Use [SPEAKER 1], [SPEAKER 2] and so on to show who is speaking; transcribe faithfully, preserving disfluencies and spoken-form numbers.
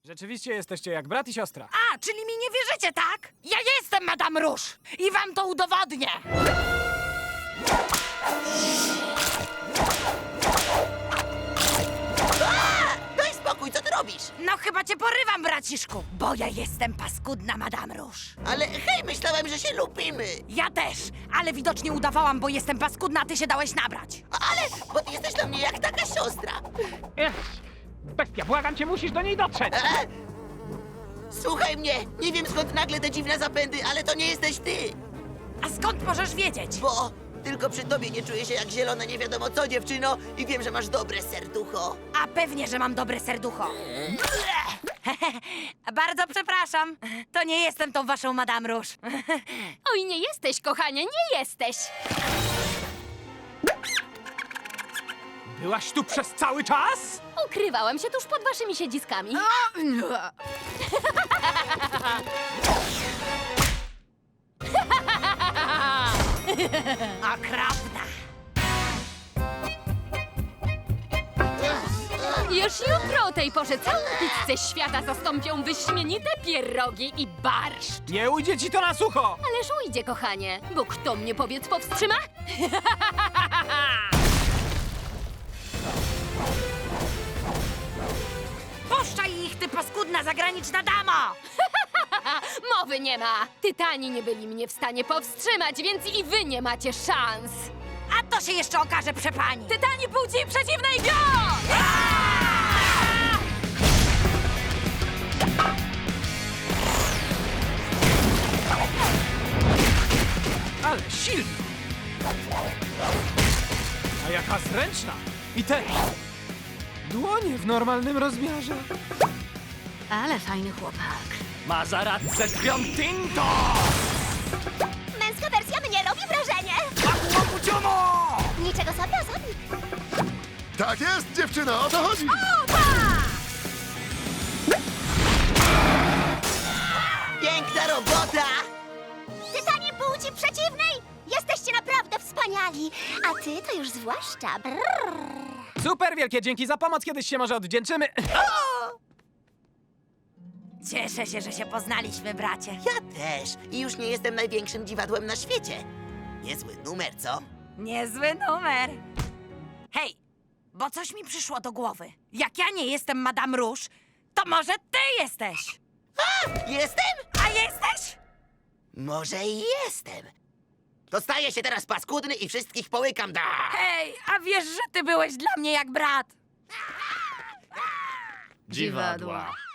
[SPEAKER 1] Rzeczywiście jesteście jak brat i siostra.
[SPEAKER 2] A, czyli mi nie wierzycie, tak? Ja jestem Madame Rouge i wam to udowodnię.
[SPEAKER 3] Daj spokój, co ty robisz?
[SPEAKER 2] No chyba cię porywam, braciszku, bo ja jestem paskudna Madame Rouge.
[SPEAKER 3] Ale hej, myślałem, że się lubimy.
[SPEAKER 2] Ja też, ale widocznie udawałam, bo jestem paskudna, a ty się dałeś nabrać.
[SPEAKER 3] Ale, bo ty jesteś dla mnie jak taka siostra.
[SPEAKER 4] Ech, bestia, błagam cię, musisz do niej dotrzeć!
[SPEAKER 3] E? Słuchaj mnie, nie wiem skąd nagle te dziwne zapędy, ale to nie jesteś ty.
[SPEAKER 2] A skąd możesz wiedzieć?
[SPEAKER 3] Bo tylko przy tobie nie czuję się jak zielona nie wiadomo co, dziewczyno, i wiem, że masz dobre serducho.
[SPEAKER 2] A pewnie, że mam dobre serducho. Bardzo przepraszam, to nie jestem tą waszą Madame Rouge.
[SPEAKER 5] Oj, nie jesteś, kochanie, nie jesteś!
[SPEAKER 1] Byłaś tu przez cały czas?
[SPEAKER 5] Ukrywałam się tuż pod waszymi siedziskami.
[SPEAKER 2] Okropna.
[SPEAKER 5] Już jutro o tej porze całą pizzę świata zastąpią wyśmienite pierogi i barszcz.
[SPEAKER 1] Nie ujdzie ci to na sucho!
[SPEAKER 5] Ależ ujdzie, kochanie, bo kto mnie, powiedz, powstrzyma?
[SPEAKER 2] Puszczaj ich, ty paskudna zagraniczna damo!
[SPEAKER 5] Mowy nie ma. Tytani nie byli mnie w stanie powstrzymać, więc i wy nie macie szans.
[SPEAKER 2] A to się jeszcze okaże, przepani.
[SPEAKER 5] Tytani płci przeciwnej go!
[SPEAKER 1] Ale silna! A jaka zręczna! I te dłonie w normalnym rozmiarze.
[SPEAKER 5] Ale fajny chłopak.
[SPEAKER 1] Ma zaradce krwią tinto!
[SPEAKER 6] Męska wersja mnie robi wrażenie!
[SPEAKER 1] Łakuciomo!
[SPEAKER 6] Niczego sobie, osobnik.
[SPEAKER 7] Tak jest, dziewczyno, o to chodzi!
[SPEAKER 3] Piękna robota!
[SPEAKER 6] Tytanie płci przeciwnej! Jesteście naprawdę wspaniali! A ty to już zwłaszcza. Brrr.
[SPEAKER 1] Super wielkie dzięki za pomoc, kiedyś się może odwdzięczymy.
[SPEAKER 2] Cieszę się, że się poznaliśmy, bracie.
[SPEAKER 3] Ja też. I już nie jestem największym dziwadłem na świecie. Niezły numer, co?
[SPEAKER 2] Niezły numer. Hej, bo coś mi przyszło do głowy. Jak ja nie jestem Madame Rouge, to może ty jesteś.
[SPEAKER 3] Jestem?
[SPEAKER 2] A jesteś?
[SPEAKER 3] Może i jestem. To staję się teraz paskudny i wszystkich połykam, da!
[SPEAKER 2] Hej, a wiesz, że ty byłeś dla mnie jak brat?
[SPEAKER 5] Dziwadła.